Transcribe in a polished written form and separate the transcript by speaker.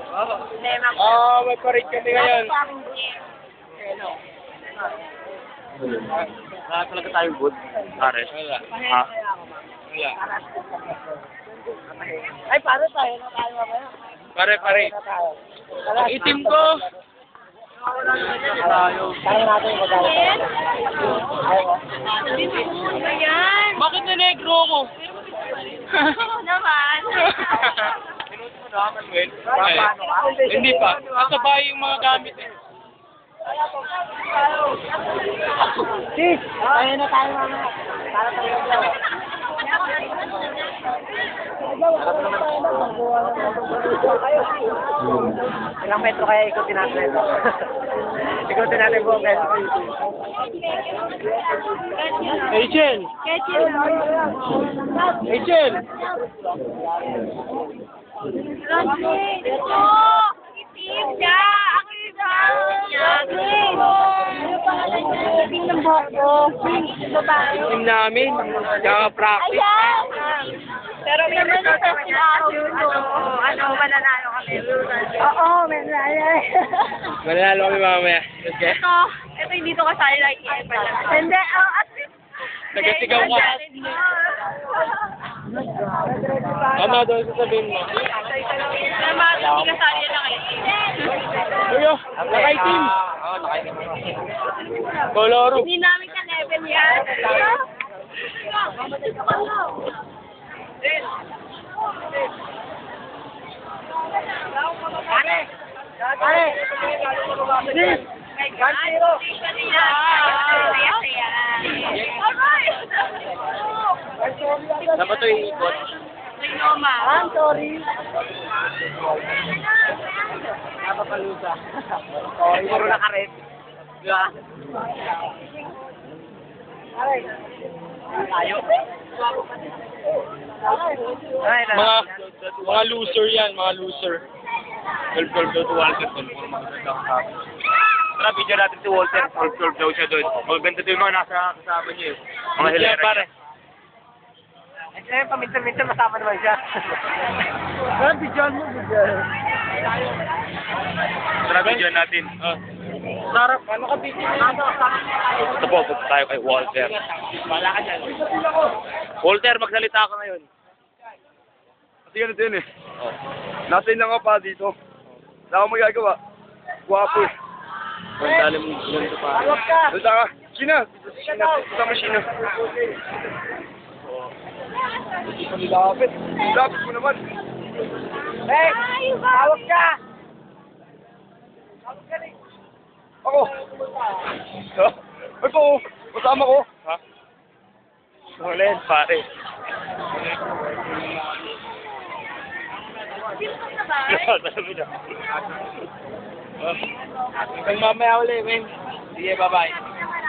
Speaker 1: May parit kami ngayon.
Speaker 2: Wala talaga tayong good. Pare.
Speaker 1: Wala.
Speaker 2: Ha?
Speaker 1: Wala.
Speaker 3: Ay, pare tayo na tayo mamaya.
Speaker 1: Pare. Ang itim ko.
Speaker 3: Kaya natin yung magalit.
Speaker 4: Ayan.
Speaker 1: Bakit na negro ako?
Speaker 4: Naman.
Speaker 1: Sinuot mo na, Manuel? Hindi pa. Nasa bahay yung mga gamit eh.
Speaker 3: Sis, tayo na tayo mamaya. Para tayo na. Ilang metro kaya ikutin natin ito? Ikutin natin buong Quezon City.
Speaker 1: Rachel! Rachel!
Speaker 4: Itim siya. Ako yung itim ng buhok ko. Babae.
Speaker 1: Team namin. Tsaka practice.
Speaker 4: Ayan! Pero may resulta sila mananalo kami. Oo, mananalo.
Speaker 1: Mananalo kami mamaya. Okay?
Speaker 4: Ito hindi to kasali like Hindi, at least.
Speaker 1: Nagasigaw ka. Ano doon sasabihin mo?
Speaker 4: Naman, hindi kasali lang kayo.
Speaker 1: Uyo, nakaitim. Koloro.
Speaker 4: Hindi namin ka-level yan.
Speaker 3: Pare! Sis! 1-0!
Speaker 1: Dapat ito iikot.
Speaker 3: I'm sorry. Napapalusa. Oh, puro na karet. Diba? Pare! Tayo.
Speaker 1: Mga loser yan, mga loser. 12 daw to Walter doon. Puro magagandang sabi.
Speaker 2: Tara, video natin si Walter. 12 daw siya doon. Maganda doon yung mga nasa kasama niya eh. Mga hilera
Speaker 1: pare.
Speaker 3: Eh, paminsan-minsan masama naman siya. Pero bidyan mo, bidyan.
Speaker 2: Tara, video natin.
Speaker 1: Sarap, ano ka busy?
Speaker 2: Ito po, punta tayo kay Walter.
Speaker 1: Wala ka dyan.
Speaker 2: Walter, magsalita ka ngayon.
Speaker 5: Kasi ganito yun eh. Nasa lang ka pa dito. Wala akong magagawa. Guwapo eh.
Speaker 1: Ang dali mo ganito pa.
Speaker 3: Tawag ka!
Speaker 5: Doon ka. Sina. Kasama Sina. Lapit. Lapit mo naman.
Speaker 3: Hey! Tawag ka!
Speaker 5: Ako. Ay po. Kasama ko.
Speaker 2: Ha? Ulit, pare.
Speaker 1: Hanggang mamaya ulit, men. Sige, bye-bye.